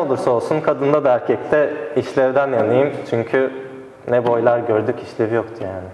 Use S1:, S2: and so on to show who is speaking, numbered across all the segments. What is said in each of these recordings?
S1: olursa olsun kadında da erkekte işlevden yanayım. Çünkü ne boylar gördük, işlevi yoktu yani.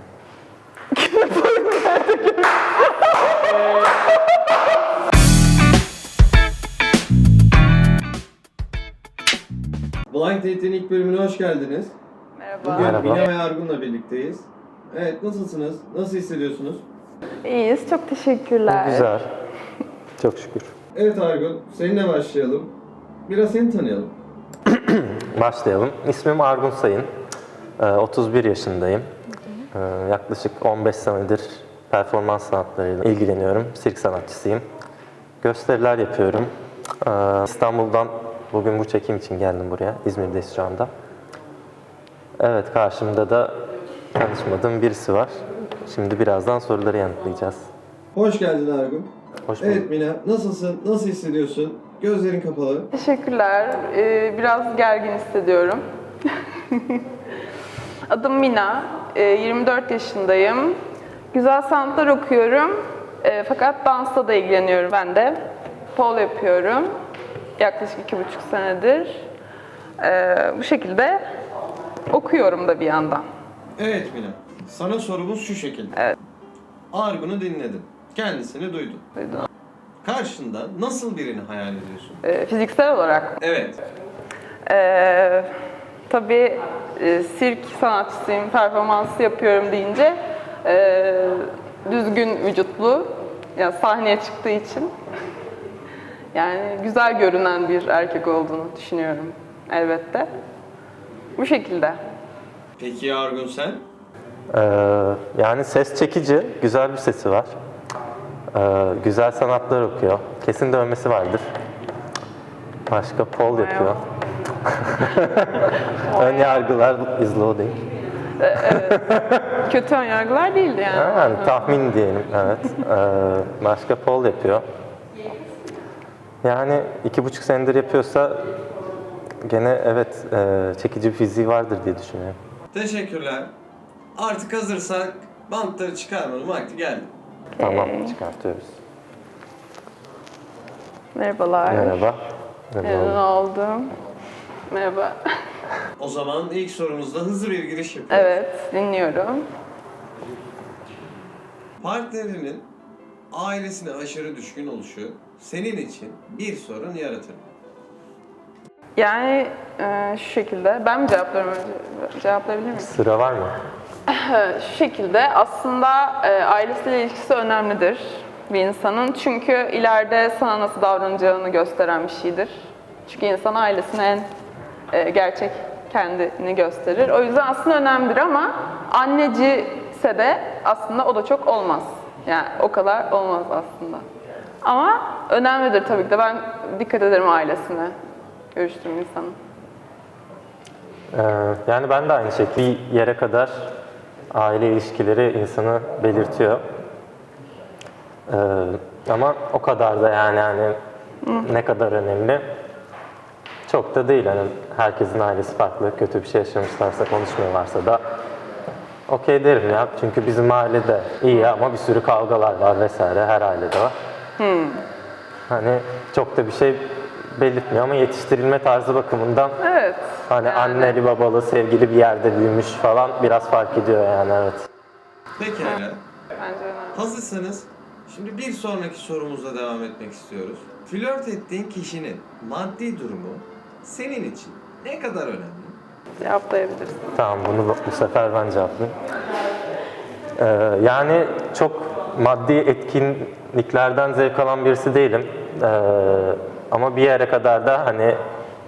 S2: Blind Date'in ilk bölümüne hoş geldiniz.
S3: Merhaba.
S2: Bugün
S1: Merhaba.
S2: Mine ve Argun'la birlikteyiz. Evet, nasılsınız? Nasıl hissediyorsunuz?
S3: İyiyiz, çok teşekkürler.
S1: Güzel. Çok şükür.
S2: Evet Argun, seninle başlayalım. Biraz seni tanıyalım.
S1: Başlayalım. İsmim Argun Sayın. 31 yaşındayım. Yaklaşık 15 senedir performans sanatlarıyla ilgileniyorum. Sirk sanatçısıyım. Gösteriler yapıyorum. İstanbul'dan bugün bu çekim için geldim buraya. İzmir'deyiz şu anda. Evet, karşımda da tanışmadığım birisi var. Şimdi birazdan soruları yanıtlayacağız.
S2: Hoş geldin Argun.
S1: Hoş bulduk.
S2: Evet Mine, nasılsın? Nasıl hissediyorsun? Gözlerin kapalı.
S3: Teşekkürler. Biraz gergin hissediyorum. Adım Mina. 24 yaşındayım. Güzel sanatlar okuyorum. Fakat dansla da ilgileniyorum ben de. Pole yapıyorum. Yaklaşık 2,5 senedir. Bu şekilde okuyorum da bir yandan.
S2: Evet Mine, sana sorumuz şu şekilde.
S3: Evet.
S2: Argun'u dinledin. Kendisini duydun.
S3: Duydum.
S2: Karşında nasıl birini hayal ediyorsun?
S3: Fiziksel olarak
S2: Evet.
S3: tabii sirk sanatçısıyım, performansı yapıyorum deyince düzgün vücutlu, yani sahneye çıktığı için yani güzel görünen bir erkek olduğunu düşünüyorum elbette. Bu şekilde.
S2: Peki Argun sen?
S1: Yani ses çekici, güzel bir sesi var. Güzel sanatlar okuyor. Kesin dövmesi vardır. Başka pol yapıyor. Ön yargılar is loading.
S3: Kötü önyargılar değildi yani.
S1: Yani tahmin diyelim, evet. Başka pol yapıyor. Yani 2,5 senedir yapıyorsa gene evet çekici bir fiziği vardır diye düşünüyorum.
S2: Teşekkürler. Artık hazırsak bantları çıkarmanın vakti geldi.
S1: Tamam, çıkartıyoruz.
S3: Merhabalar.
S1: Merhaba.
S3: Memnun oldum. Merhaba.
S2: O zaman ilk sorumuzda hızlı bir giriş yapıyoruz.
S3: Evet, dinliyorum.
S2: Partnerinin ailesine aşırı düşkün oluşu senin için bir sorun yaratır mı?
S3: Yani şu şekilde, ben mi cevaplarım önce? Cevaplayabilir miyim?
S1: Sıra var mı?
S3: Şu şekilde, aslında ailesiyle ilişkisi önemlidir bir insanın. Çünkü ileride sana nasıl davranacağını gösteren bir şeydir. Çünkü insan ailesine en gerçek kendini gösterir. O yüzden aslında önemlidir ama anneci ise de aslında o da çok olmaz. Yani o kadar olmaz aslında. Ama önemlidir tabii ki de. Ben dikkat ederim ailesine görüştüğüm insanın.
S1: Yani ben de aynı şekilde bir yere kadar aile ilişkileri insanı belirtiyor. Ama o kadar da yani ne kadar önemli çok da değil. Yani herkesin ailesi farklı, kötü bir şey yaşamışlarsa, konuşmuyorlarsa da okey derim ya. Çünkü bizim ailede iyi ama bir sürü kavgalar var vesaire, her ailede var. Hani çok da bir şey belirtmiyor ama yetiştirilme tarzı bakımından
S3: Evet.
S1: hani anneli babalı sevgili bir yerde büyümüş falan biraz fark ediyor yani, evet.
S2: Pekala.
S3: Bence önemli.
S2: Hazırsanız şimdi bir sonraki sorumuzla devam etmek istiyoruz. Flört ettiğin kişinin maddi durumu senin için ne kadar önemli?
S3: Cevaplayabilirsin.
S1: Tamam, bunu bu sefer ben cevaplayayım. Yani çok maddi etkinliklerden zevk alan birisi değilim. Ama bir yere kadar da hani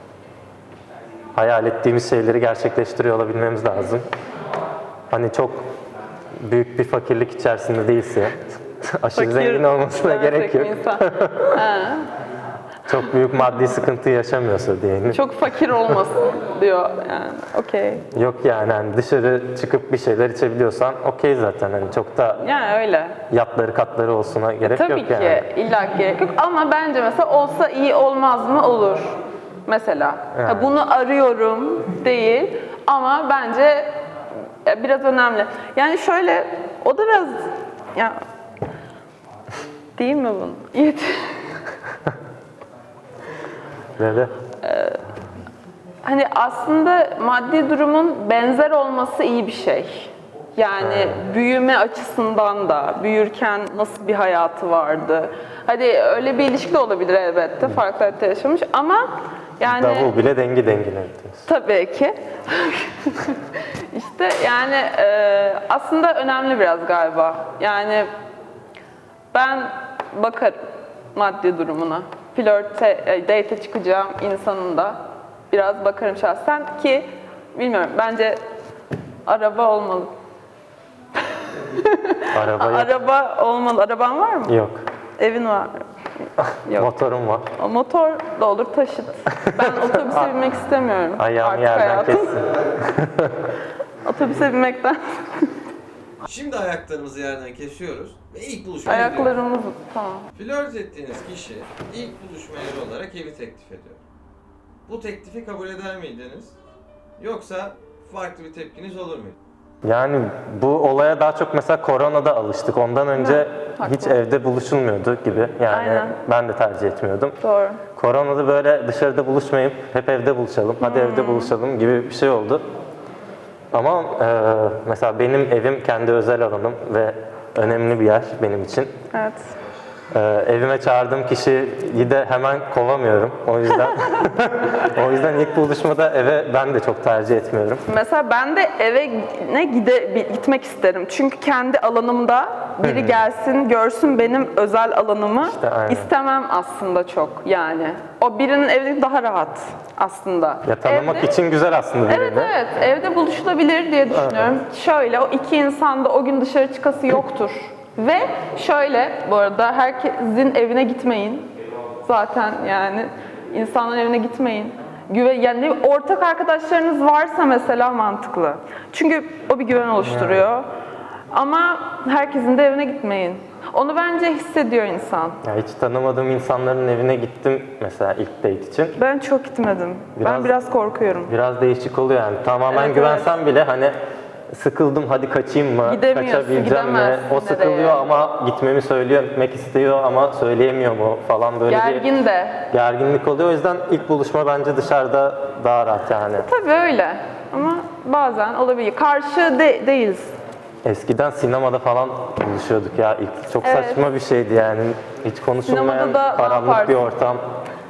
S1: hayal ettiğimiz şeyleri gerçekleştiriyor olabilmemiz lazım. Hani çok büyük bir fakirlik içerisinde değilse, aşırı zengin olmasına gerek yok.
S3: insan.
S1: Çok büyük maddi sıkıntı yaşamıyorsa diyelim.
S3: Çok fakir olmasın diyor yani. Okey.
S1: Yok yani hani dışarı çıkıp bir şeyler içebiliyorsan okey zaten, hani çok da
S3: Yani öyle.
S1: yatları katları olsuna gerek
S3: Tabii
S1: yok
S3: ki
S1: yani.
S3: illa ki gerek yok ama bence mesela olsa iyi olmaz mı? Olur. Mesela.
S1: Yani.
S3: Ha, bunu arıyorum değil ama bence biraz önemli. Yani şöyle, o da biraz ya değil mi bunun?
S1: Böyle.
S3: Hani aslında maddi durumun benzer olması iyi bir şey. Yani büyüme açısından da, büyürken nasıl bir hayatı vardı. Hadi öyle bir ilişki de olabilir elbette, farklı hayatta yaşamış ama yani...
S1: Davul bile dengi dengine diyorsun.
S3: Tabii ki. İşte yani aslında önemli biraz galiba. Yani ben bakarım maddi durumuna. Date'e çıkacağım insanın da biraz bakarım şahsen ki bilmiyorum bence araba olmalı.
S1: Araba yok.
S3: Araba olmalı. Araban var mı?
S1: Yok.
S3: Evin var. Yok.
S1: Motorum var.
S3: O motor da olur taşıt. Ben otobüse binmek istemiyorum.
S1: Ayağımı
S3: Artık
S1: yerden
S3: hayatım.
S1: kessin.
S3: Otobüse binmekten.
S2: Şimdi ayaklarımızı yerden kesiyoruz ve ilk buluşmaya gidiyoruz.
S3: Ayaklarımız tamam.
S2: Flört ettiğiniz kişi ilk buluşma yeri olarak evi teklif ediyor. Bu teklifi kabul eder miydiniz? Yoksa farklı bir tepkiniz olur muydu?
S1: Yani bu olaya daha çok mesela koronada alıştık. Ondan önce
S3: haklı.
S1: hiç evde buluşulmuyordu gibi. Yani
S3: Aynen.
S1: ben de tercih etmiyordum.
S3: Doğru.
S1: Koronada böyle dışarıda buluşmayıp hep evde buluşalım, hadi evde buluşalım gibi bir şey oldu. Ama mesela benim evim kendi özel alanım ve önemli bir yer benim için.
S3: Evet.
S1: Evime çağırdığım kişiyi de hemen kovamıyorum. O yüzden ilk buluşmada eve ben de çok tercih etmiyorum.
S3: Mesela ben de eve gitmek isterim. Çünkü kendi alanımda biri gelsin, görsün benim özel alanımı.
S1: İşte aynen.
S3: İstemem aslında çok yani. O birinin evi daha rahat aslında.
S1: Ya tanımak
S3: Evde-
S1: için güzel aslında birini.
S3: Evet evet, evde buluşulabilir diye düşünüyorum. Şöyle, o iki insan da o gün dışarı çıkası yoktur. Ve şöyle, bu arada herkesin evine gitmeyin. Zaten yani insanların evine gitmeyin. Yani ortak arkadaşlarınız varsa mesela mantıklı. Çünkü o bir güven oluşturuyor. Ama herkesin de evine gitmeyin. Onu bence hissediyor insan.
S1: Ya hiç tanımadığım insanların evine gittim mesela ilk date için.
S3: Ben çok gitmedim. Ben biraz korkuyorum.
S1: Biraz değişik oluyor yani. Tamamen
S3: Evet,
S1: güvensem bile hani sıkıldım hadi kaçayım mı?
S3: Gidemiyorsun,
S1: Kaçabileceğim mi?
S3: gidemezsin
S1: O sıkılıyor
S3: nereye?
S1: ama gitmemi söylüyor, gitmek istiyor ama söyleyemiyor mu falan böyle
S3: Gergin de.
S1: bir gerginlik oluyor. O yüzden ilk buluşma bence dışarıda daha rahat yani.
S3: Tabii öyle. Ama bazen olabilir. Karşı değiliz.
S1: Eskiden sinemada falan buluşuyorduk ya ilk. Çok
S3: Evet.
S1: saçma bir şeydi yani. Hiç konuşulmayan
S3: Sinemada da ne
S1: karanlık bir
S3: yaparsın?
S1: ortam.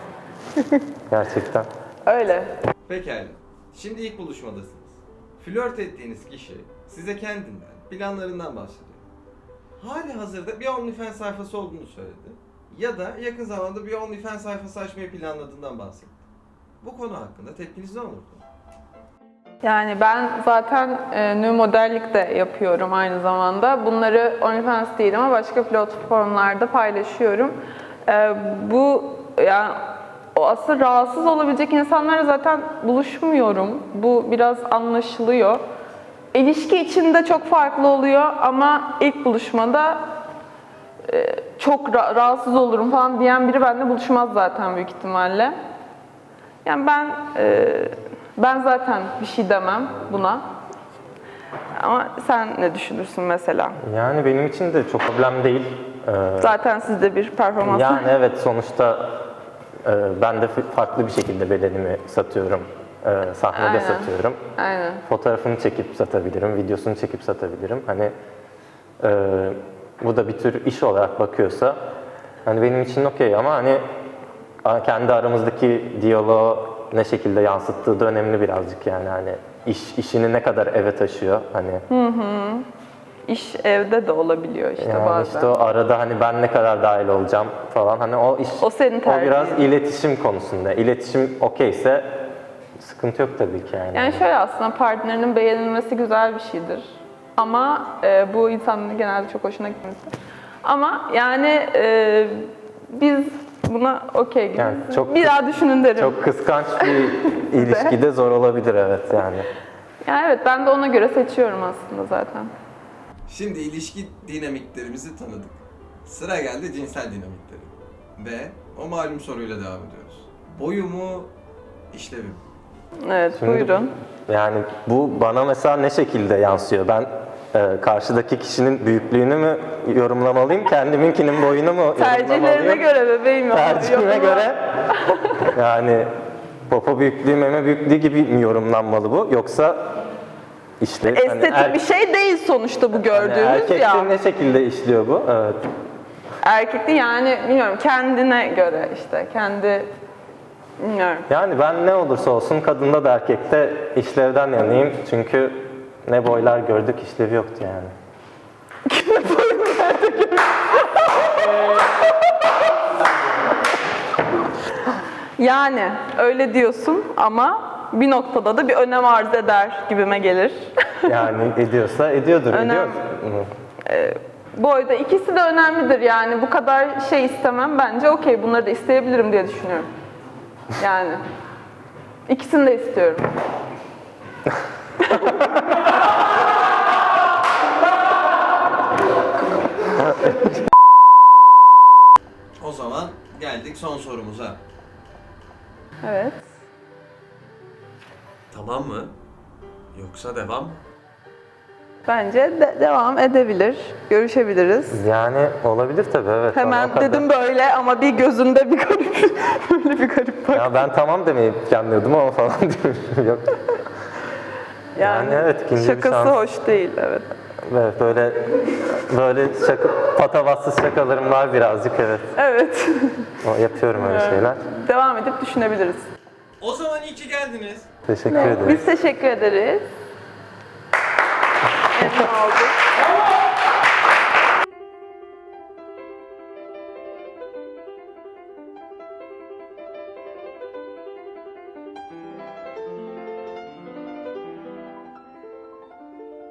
S1: Gerçekten.
S3: Öyle.
S2: Pekala. Şimdi ilk buluşmadasınız. Flört ettiğiniz kişi size kendinden, planlarından bahsediyor. Hali hazırda bir OnlyFans sayfası olduğunu söyledi. Ya da yakın zamanda bir OnlyFans sayfası açmayı planladığından bahsetti. Bu konu hakkında tepkiniz ne olurdu?
S3: Yani ben zaten new modellik de yapıyorum aynı zamanda. Bunları OnlyFans değil ama başka platformlarda paylaşıyorum. Bu yani o asıl rahatsız olabilecek insanlarla zaten buluşmuyorum. Bu biraz anlaşılıyor. İlişki içinde çok farklı oluyor ama ilk buluşmada çok rahatsız olurum falan diyen biri benimle buluşmaz zaten büyük ihtimalle. Yani ben zaten bir şey demem buna. Ama sen ne düşünürsün mesela?
S1: Yani benim için de çok problem değil.
S3: Zaten sizde bir performans var.
S1: Yani evet sonuçta ben de farklı bir şekilde bedenimi satıyorum. Sahnede
S3: Aynen.
S1: satıyorum.
S3: Aynen.
S1: Fotoğrafını çekip satabilirim, videosunu çekip satabilirim. Hani bu da bir tür iş olarak bakıyorsa hani benim için okey ama hani kendi aramızdaki diyaloğu ne şekilde yansıttığı da önemli birazcık yani hani işini ne kadar eve taşıyor hani.
S3: İş evde de olabiliyor işte
S1: Yani
S3: bazen.
S1: işte o arada hani ben ne kadar dahil olacağım falan hani o iş
S3: O senin
S1: o
S3: tercihin.
S1: biraz iletişim konusunda. İletişim okeyse sıkıntı yok tabii ki yani.
S3: Yani şöyle aslında partnerinin beğenilmesi güzel bir şeydir. Ama bu insanların genelde çok hoşuna gitmesi. Ama yani biz buna okey gibi.
S1: Yani çok
S3: Bir daha düşünün derim.
S1: Çok kıskanç bir ilişkide zor olabilir evet yani.
S3: Yani evet ben de ona göre seçiyorum aslında zaten.
S2: Şimdi ilişki dinamiklerimizi tanıdık. Sıra geldi cinsel dinamikleri. Ve o malum soruyla devam ediyoruz. Boyu mu, işlevi mi?
S3: Evet
S1: Şimdi
S3: buyurun.
S1: Yani bu bana mesela ne şekilde yansıyor? Ben karşıdaki kişinin büyüklüğünü mü yorumlamalıyım, kendiminkinin boyunu mu
S3: Tercihlerine
S1: yorumlamalıyım?
S3: göre bebeğim.
S1: Tercihime
S3: Yorumla.
S1: göre yani popo büyüklüğü, meme büyüklüğü gibi mi yorumlanmalı bu? Yoksa işte
S3: Estetik bir şey değil sonuçta bu gördüğümüz
S1: erkekte
S3: ya.
S1: ne şekilde işliyor bu? Evet.
S3: Erkekte yani bilmiyorum kendine göre işte kendi bilmiyorum.
S1: Yani ben ne olursa olsun kadında da erkekte işlevden yanayım. Çünkü ne boylar gördük, işlevi yoktu yani.
S3: Yani öyle diyorsun ama bir noktada da bir önem arz eder gibime gelir.
S1: Yani ediyorsa ediyordur,
S3: Önem-
S1: ediyor.
S3: Boyda ikisi de önemlidir yani bu kadar şey istemem bence okey bunları da isteyebilirim diye düşünüyorum. Yani ikisini de istiyorum.
S2: O zaman geldik son sorumuza.
S3: Evet.
S4: Tamam mı? Yoksa devam mı?
S3: Bence devam edebilir, görüşebiliriz.
S1: Yani olabilir tabii, evet.
S3: Hemen
S1: Bana o kadar-
S3: dedim böyle ama bir gözünde bir garip, böyle bir garip bak.
S1: Ya ben tamam demeyi planlıyordum ama falan diyorum. Yok. Yani evet, ikinci bir
S3: şakası
S1: şans.
S3: hoş değil, evet.
S1: Evet, böyle patavatsız şakalarım var birazcık, evet.
S3: Evet.
S1: Yapıyorum öyle şeyler.
S3: Devam edip düşünebiliriz.
S2: O zaman iyi ki geldiniz.
S1: Teşekkür ederim.
S3: Biz teşekkür ederiz. Memnun olduk.